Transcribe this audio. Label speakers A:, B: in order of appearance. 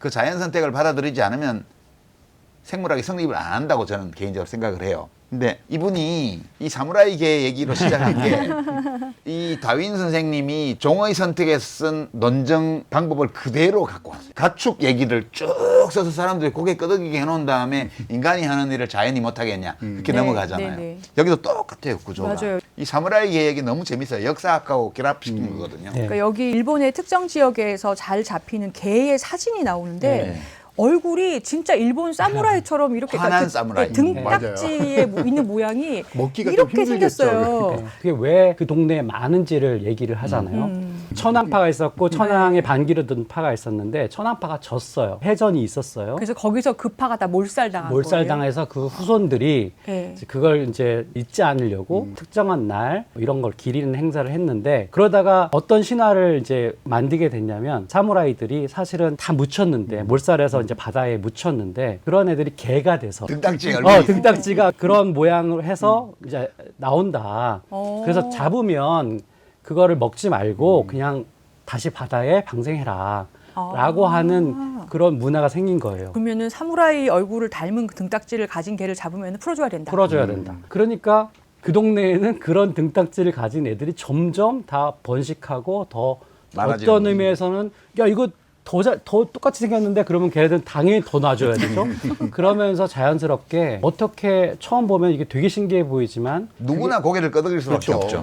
A: 그 자연 선택을 받아들이지 않으면 생물학이 성립을 안 한다고 저는 개인적으로 생각을 해요. 근데 이분이 이 사무라이계 얘기로 시작한 게 이 다윈 선생님이 종의 선택에 쓴 논증 방법을 그대로 갖고 왔어요. 가축 얘기를 쭉 써서 사람들이 고개 끄덕이게 해놓은 다음에 인간이 하는 일을 자연이 못하겠냐 이렇게
B: 네,
A: 넘어가잖아요.
B: 네, 네.
A: 여기도 똑같아요, 구조가.
B: 맞아요.
A: 이 사무라이계 얘기 너무 재밌어요. 역사학하고 결합시킨 거거든요.
C: 네.
B: 그러니까 여기 일본의 특정 지역에서 잘 잡히는 개의 사진이 나오는데
A: 네.
B: 얼굴이 진짜 일본 사무라이처럼 이렇게
A: 환한
B: 그
A: 사무라이.
B: 등딱지에 있는 모양이
D: 먹기가 좀
B: 이렇게
D: 힘들겠죠,
B: 생겼어요.
C: 네. 그게 왜 그 동네에 많은지를 얘기를 하잖아요. 천황파가 있었고 천황의 반기를 든 파가 있었는데 천황파가 졌어요. 해전이 있었어요.
B: 그래서 거기서 그 파가 다 몰살당한 거예요.
C: 몰살당해서 그 후손들이
B: 네.
C: 이제 그걸 이제 잊지 않으려고 특정한 날 이런 걸 기리는 행사를 했는데 그러다가 어떤 신화를 이제 만들게 됐냐면 사무라이들이 사실은 다 묻혔는데 몰살해서 이제 바다에 묻혔는데 그런 애들이 개가 돼서
A: 등딱지에 얼굴이
C: 등딱지가 그런 모양을 해서 이제 나온다. 그래서 잡으면 그거를 먹지 말고 그냥 다시 바다에 방생해라. 라고 하는 그런 문화가 생긴 거예요.
B: 그러면은 사무라이 얼굴을 닮은 그 등딱지를 가진 개를 잡으면 풀어줘야 된다.
C: 풀어줘야 된다. 그러니까 그 동네에는 그런 등딱지를 가진 애들이 점점 다 번식하고 더
A: 많아지는
C: 어떤
A: 거지.
C: 의미에서는 야 이거 더 똑같이 생겼는데 그러면 걔네들은 당연히 더 놔줘야 되죠. 그러면서 자연스럽게 어떻게 처음 보면 이게 되게 신기해 보이지만
A: 누구나 고개를 끄덕일 수밖에
C: 그렇죠.
A: 없죠.